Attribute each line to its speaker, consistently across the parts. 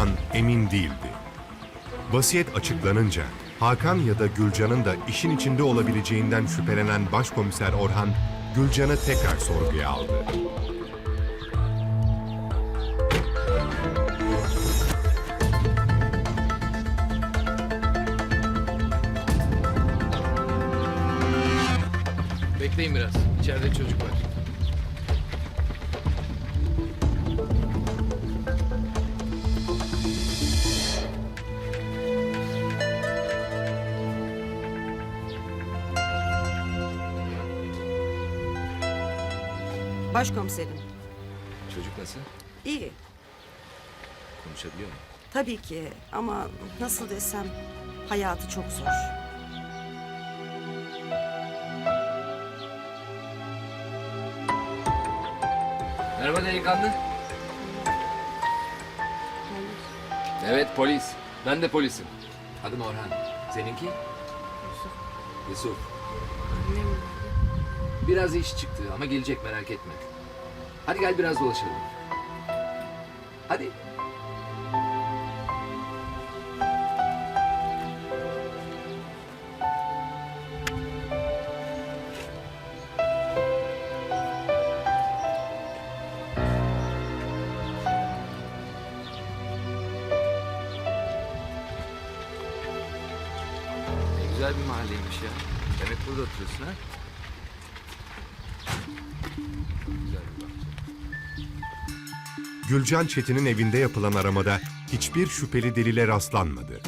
Speaker 1: Orhan emin değildi. Vasiyet açıklanınca Hakan ya da Gülcan'ın da işin içinde olabileceğinden şüphelenen Başkomiser Orhan, Gülcan'ı tekrar sorguya aldı.
Speaker 2: Bekleyin biraz. İçeride çocuk var.
Speaker 3: Başkomiserim,
Speaker 2: Çocuk nasıl?
Speaker 3: iyi.
Speaker 2: Konuşabiliyor mu?
Speaker 3: Tabii ki ama nasıl desem hayatı çok zor.
Speaker 2: Merhaba delikanlı. Evet polis. Ben de polisim. Adım Orhan. Seninki? Yusuf. Biraz iş çıktı ama gelecek merak etme. Hadi gel biraz dolaşalım. Hadi. Ne güzel bir mahalleymiş ya. Demek burada oturuyorsun ha? Güzel bir bahçe.
Speaker 1: Gülcan Çetin'in evinde yapılan aramada hiçbir şüpheli delile rastlanmadı.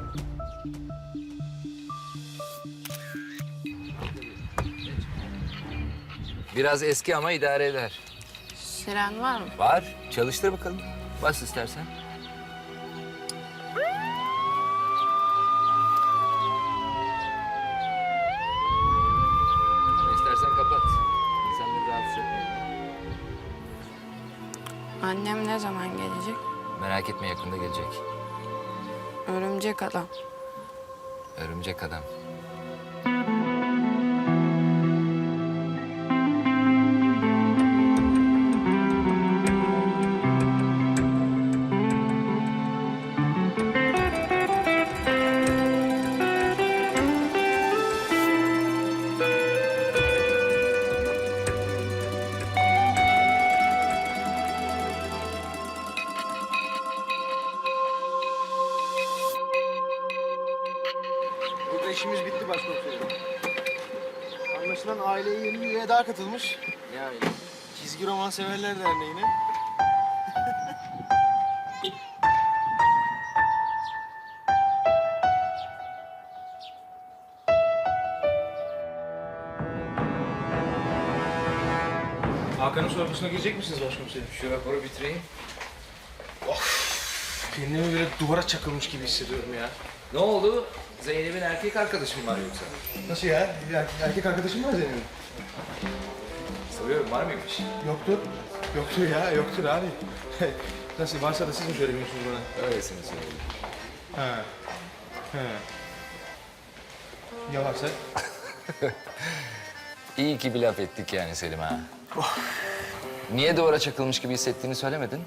Speaker 2: Biraz eski ama idare eder.
Speaker 4: Siren var mı?
Speaker 2: Var. Çalıştır bakalım. Bas istersen. Ama istersen kapat. İnsanları rahatsız etme.
Speaker 4: Annem ne zaman gelecek?
Speaker 2: Merak etme yakında gelecek.
Speaker 4: Örümcek adam.
Speaker 2: Örümcek adam.
Speaker 5: Burada işimiz bitti başkomiserim. Anlaşılan aileye yeni bir üye daha katılmış.
Speaker 2: Yani
Speaker 5: Çizgi Roman Severler Derneği'ne. Hakan'ın sorgusuna girecek misiniz başkomiserim?
Speaker 2: şu raporu bitireyim.
Speaker 5: Kendimi böyle duvara çakılmış gibi hissediyorum ya.
Speaker 2: Ne oldu? Zeynep'in erkek arkadaşı mı var yoksa?
Speaker 5: Nasıl ya? Erkek arkadaşım var senin.
Speaker 2: Soruyorum var mıymış?
Speaker 5: Yoktur. Yoktur ya, yoktur abi. Nasıl varsa da siz mi söylemiyorsunuz bana?
Speaker 2: Öylesine söyleyeyim.
Speaker 5: Ha. He. Ya varsa?
Speaker 2: İyi ki bir laf ettik yani Selim ha. Niye duvara çakılmış gibi hissettiğini söylemedin?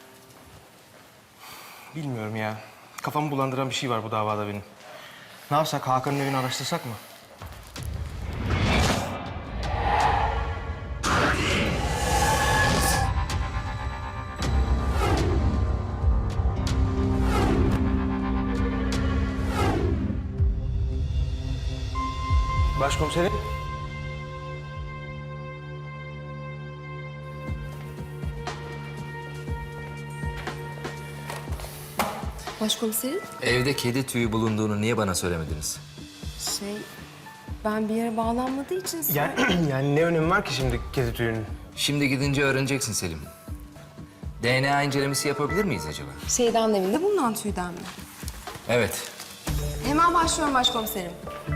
Speaker 5: Bilmiyorum ya. Kafamı bulandıran bir şey var bu davada benim. Ne yapsak? Hakan'ın evini araştırsak mı? Başkomiserim.
Speaker 6: Başkomiserim,
Speaker 2: Evde kedi tüyü bulunduğunu niye bana söylemediniz?
Speaker 6: ben bir yere bağlanmadığı için
Speaker 5: Yani ne önemi var ki şimdi kedi tüyünün?
Speaker 2: Şimdi gidince öğreneceksin Selim. DNA incelemesi yapabilir miyiz acaba?
Speaker 6: Şeyden evinde bulunan tüyden mi?
Speaker 2: Evet.
Speaker 6: Hemen başlıyorum başkomiserim.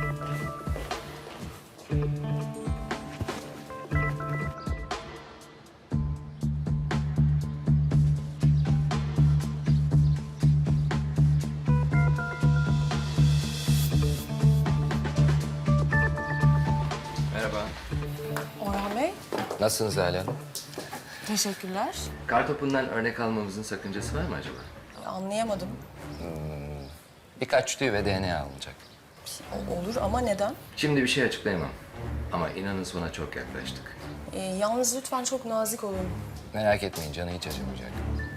Speaker 2: Merhaba.
Speaker 6: Orhan Bey,
Speaker 2: Nasılsınız Hala Hanım?
Speaker 6: teşekkürler.
Speaker 2: Kartopundan örnek almamızın sakıncası var mı acaba?
Speaker 6: Anlayamadım.
Speaker 2: Birkaç tüy ve DNA alınacak.
Speaker 6: Olur ama neden?
Speaker 2: Şimdi bir şey açıklayamam. Ama inanın sona çok yaklaştık.
Speaker 6: Yalnız lütfen çok nazik olun.
Speaker 2: Merak etmeyin, canı hiç acımayacak.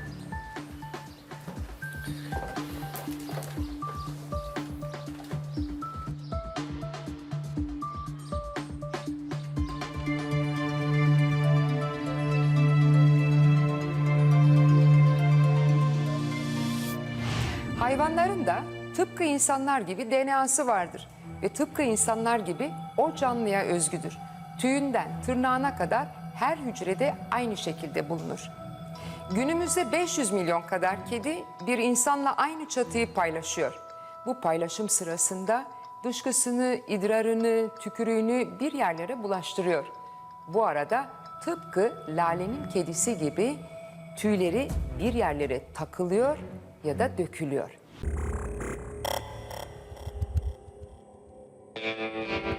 Speaker 7: Hayvanların da tıpkı insanlar gibi DNA'sı vardır ve tıpkı insanlar gibi o canlıya özgüdür. Tüyünden tırnağına kadar her hücrede aynı şekilde bulunur. Günümüzde 500 milyon kadar kedi bir insanla aynı çatıyı paylaşıyor. Bu paylaşım sırasında dışkısını, idrarını, tükürüğünü bir yerlere bulaştırıyor. Bu arada tıpkı Lale'nin kedisi gibi tüyleri bir yerlere takılıyor ya da dökülüyor.